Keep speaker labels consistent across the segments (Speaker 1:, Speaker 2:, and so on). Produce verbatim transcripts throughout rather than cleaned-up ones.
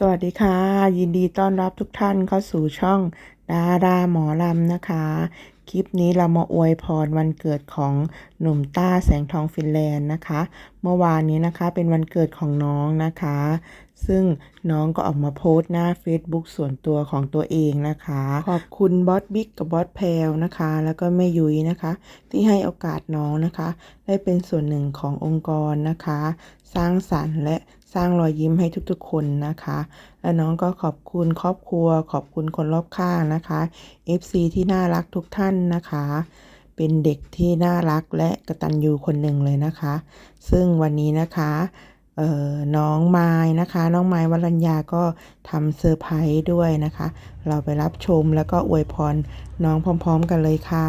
Speaker 1: สวัสดีค่ะยินดีต้อนรับทุกท่านเข้าสู่ช่องดาราหมอลำนะคะคลิปนี้เรามาอวยพรวันเกิดของหนุ่มต้าแสงทองฟินแลนด์นะคะเมื่อวานนี้นะคะเป็นวันเกิดของน้องนะคะซึ่งน้องก็ออกมาโพสต์หน้า Facebook ส่วนตัวของตัวเองนะคะขอบคุณบอสบิ๊กกับบอสแพลวนะคะแล้วก็แม่ยุ้ยนะคะที่ให้โอกาสน้องนะคะได้เป็นส่วนหนึ่งขององค์กรนะคะสร้างสรรค์และสร้างรอยยิ้มให้ทุกๆคนนะคะและน้องก็ขอบคุณครอบครัวขอบคุณคนรอบข้างนะคะ เอฟ ซี ที่น่ารักทุกท่านนะคะเป็นเด็กที่น่ารักและกตัญญูคนหนึ่งเลยนะคะซึ่งวันนี้นะคะเอ่อน้องไม้นะคะน้องไม้วรัญญาก็ทำเซอร์ไพรส์ด้วยนะคะเราไปรับชมแล้วก็อวยพรน้องพร้อมๆกันเลยค่ะ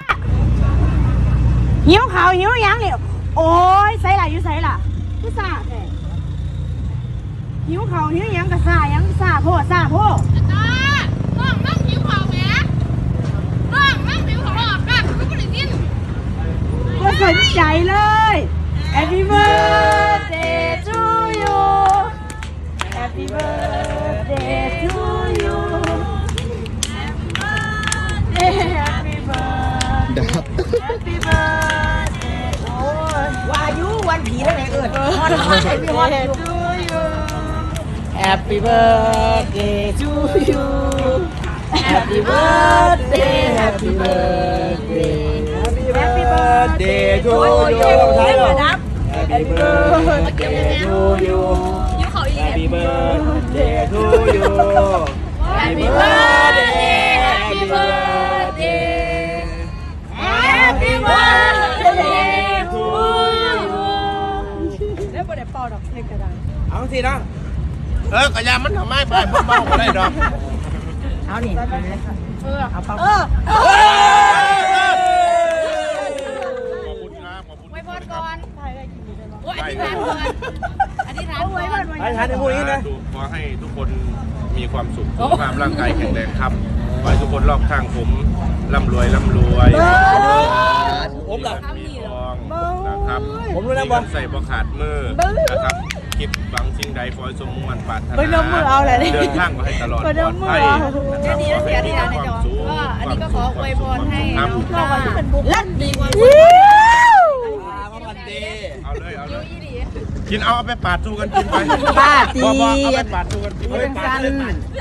Speaker 2: หิวเขาหิวยังเนี่ยโอ้ยใส่ละอยู่ใส่ละคือซาแท้หิวเขาหิวยังกะซายังซาโพดซาโพด
Speaker 3: จ้าน้องนั่งหิวเขาแหมน้องนั่งหิวเขาหรอกกันก็ไม่ได้ยิน
Speaker 2: ก็สนใจเลย Happy birthday to you Happy birthday to you Happy birthday Happy birthday Happy birthday โอ้ยวายุวันผีแล้วไงเอิญวันวันไอ้พี่วันอยู่Happy birthday to you Happy birthday Happy birthday Happy birthday to you Happy birthday to you
Speaker 3: หิวเขาอีก
Speaker 4: Happy birthday to you
Speaker 3: Happy birthday Happy birthday Happy birthday to you
Speaker 2: แล้วบ่ได้เป่าดอกเล็กกระดาน
Speaker 4: เอาสินะเออกระยามันทำไมไปเบาๆได้ดอก
Speaker 2: เอานี่เออเอาเป่าเออ
Speaker 4: ขอบคุณครับขอบคุณ
Speaker 3: ไว้พอดก่อนโอ้ยอธิษฐานก่อนอธิษฐานก่อน
Speaker 4: ไปทานในพวกนี้นะขอให้ทุกคนมีความสุขสุขภาพร่างกายแข็งแรงครับขอให้ทุกคนรอบข้างผมร่ำรวยร่ำรวยผมหลับมีทองนะครับผมรู้นะบอลใส่บ่ขาดมือนะครับคิดบางสิ่งใดขอให้สมมุ่งมั่นปรารถนาเดินทางมาให้ตลอดปลอดภัยนะครับขอให้มีความสุข
Speaker 3: ก็อันนี้ก็ขออวยพรให้น้องต้า
Speaker 2: ลั่นดีกว่า
Speaker 4: เอาเลยเอาเลยกินเอาเอาไปปาดสู้กันกินไป
Speaker 2: ปาดดี
Speaker 4: บอกบอกเอาไปปาดสู้กันกินไปปาดเลย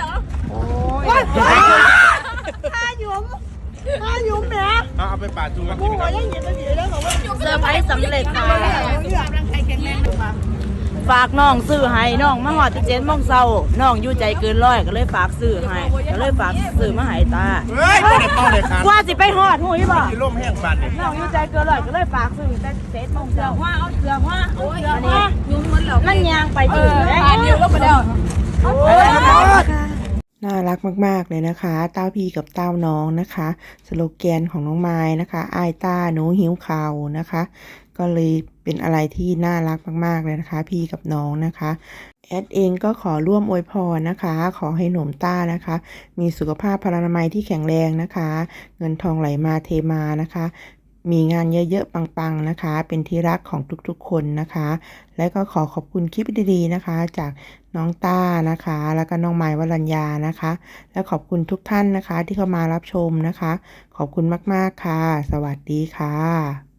Speaker 2: ถ้าหยุมถ้าหยุมแหม
Speaker 4: เอาเอาไปปาดสู้กันกินครับ
Speaker 2: เซอร์ไพรส์สำเร็จค่ะ
Speaker 3: สุขภาพร่างกายแข็งแรงนะคะ
Speaker 2: ฝากน้องซื้อให้น้องมาหอดเจ็ดโมงเช้าน้องอยู่ใจเกินร้อยก็เลยฝากซื้อให้ก็เลยฝากซื้อมาให้ตา
Speaker 4: เฮ้ยไม่ได้ต้องเลยครับ
Speaker 2: ว่าสิไปหอดหูยบ่
Speaker 4: กินร่มแห้งปาดเนี่ย
Speaker 2: น้องอยู่ใจเกินร้อยก็เลยฝากซื้อแต่เจ็ดโมงเช้าว่าเอาเสือว่าเอาเสือว่า
Speaker 3: ยุ่งมันเหรอ
Speaker 2: นั่นยางไปถึง
Speaker 3: ทานเดียวก็ไปแล้ว
Speaker 1: น่ารักมากๆเลยนะคะเต้าพี่กับเต้าน้องนะคะสโลแกนของน้องไม้นะคะอ้ายต้าหนูหิวข่าวนะคะก็เลยเป็นอะไรที่น่ารักมากๆเลยนะคะพี่กับน้องนะคะแอดเองก็ขอร่วมอวยพรนะคะขอให้หนุ่มต้านะคะมีสุขภาพพลานามัยที่แข็งแรงนะคะเงินทองไหลมาเทมานะคะมีงานเยอะๆปังๆนะคะเป็นที่รักของทุกๆคนนะคะและก็ขอขอบคุณคลิปดีๆนะคะจากน้องต้านะคะแล้วก็น้องไม้วรัญญานะคะและขอบคุณทุกท่านนะคะที่เข้ามารับชมนะคะขอบคุณมากๆค่ะสวัสดีค่ะ